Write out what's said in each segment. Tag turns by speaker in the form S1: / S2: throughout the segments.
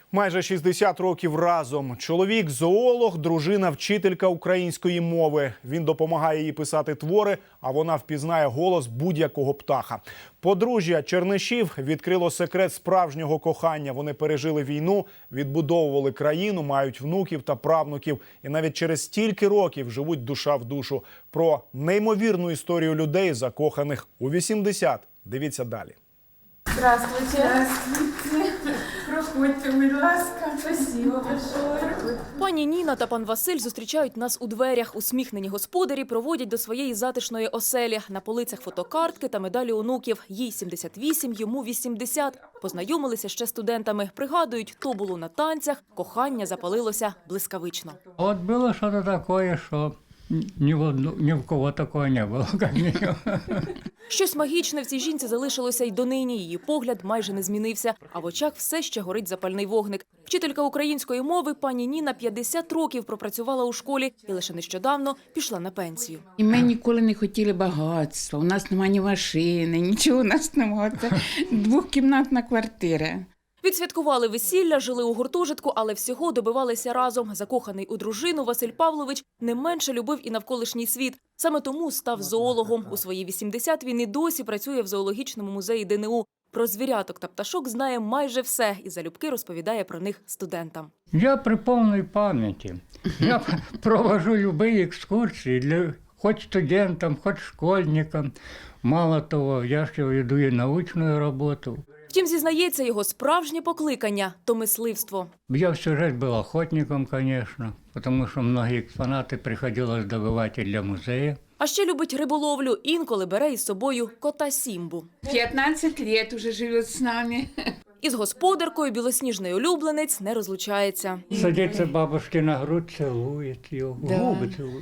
S1: Майже 60 років разом. Чоловік – зоолог, дружина – вчителька української мови. Він допомагає їй писати твори, а вона впізнає голос будь-якого птаха. Подружжя Чернишів відкрило секрет справжнього кохання. Вони пережили війну, відбудовували країну, мають внуків та правнуків. І навіть через стільки років живуть душа в душу. Про неймовірну історію людей, закоханих у 80. Дивіться далі.
S2: Здравствуйте. Здравствуйте. Проходьте, будь ласка. Спасибо большое.
S3: Пані Ніна та пан Василь зустрічають нас у дверях. Усміхнені господарі проводять до своєї затишної оселі. На полицях фотокартки та медалі онуків. Їй 78, йому 80. Познайомилися ще студентами. Пригадують, то було на танцях. Кохання запалилося блискавично.
S4: Вот было что-то такое, что ни в кого такого не было, как минимум.
S3: Щось магічне в цій жінці залишилося й донині. Її погляд майже не змінився, а в очах все ще горить запальний вогник. Вчителька української мови пані Ніна 50 років пропрацювала у школі і лише нещодавно пішла на пенсію.
S5: І ми ніколи не хотіли багатства. У нас немає ні машини, нічого у нас немає. Це двокімнатна квартира.
S3: Відсвяткували весілля, жили у гуртожитку, але всього добивалися разом. Закоханий у дружину Василь Павлович не менше любив і навколишній світ. Саме тому став зоологом. У свої 80 він і досі працює в зоологічному музеї ДНУ. Про звіряток та пташок знає майже все і залюбки розповідає про них студентам.
S4: Я при повній пам'яті. Я провожу любые екскурсії для хоть студентам, хоть школьникам. Мало того, я ще веду і научну роботу.
S3: Втім, зізнається, його справжнє покликання – то мисливство.
S4: Я всю жизнь был охотником, конечно, потому что многие экспонаты приходилось добывать и для музея.
S3: А ще любить риболовлю, інколи бере із собою кота Сімбу.
S5: 15 років уже живе з нами.
S3: Із господаркою білосніжний улюбленець не розлучається.
S4: Садится бабушке на грудь, целует ее, губы целует.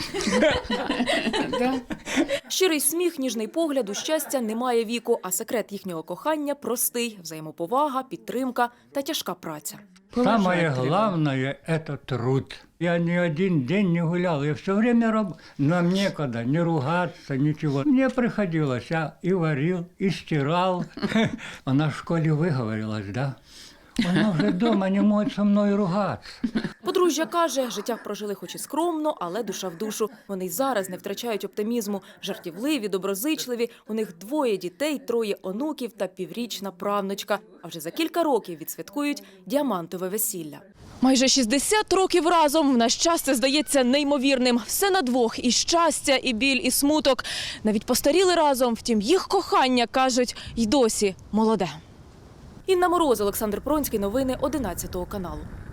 S3: Щирий сміх, ніжний погляд, у щастя немає віку, а секрет їхнього кохання простий – взаємоповага, підтримка та тяжка праця.
S4: Самое главное – это труд. Я ни один день не гулял, я все время работал. Нам некогда не ругаться, ничего. Мне приходилось, я и варил, и стирал. Она в школе выговорилась, да? Она вже дома не може зі мною ругатися.
S3: Подружжя каже, життя прожили хоч і скромно, але душа в душу. Вони й зараз не втрачають оптимізму. Жартівливі, доброзичливі. У них 2 дітей, 3 онуків та піврічна правнучка. А вже за кілька років відсвяткують діамантове весілля. Майже 60 років разом. В наш час це здається неймовірним. Все на двох – і щастя, і біль, і смуток. Навіть постаріли разом, втім їх кохання, кажуть, й досі молоде. Інна Мороз, Олександр Пронський. Новини 11 каналу.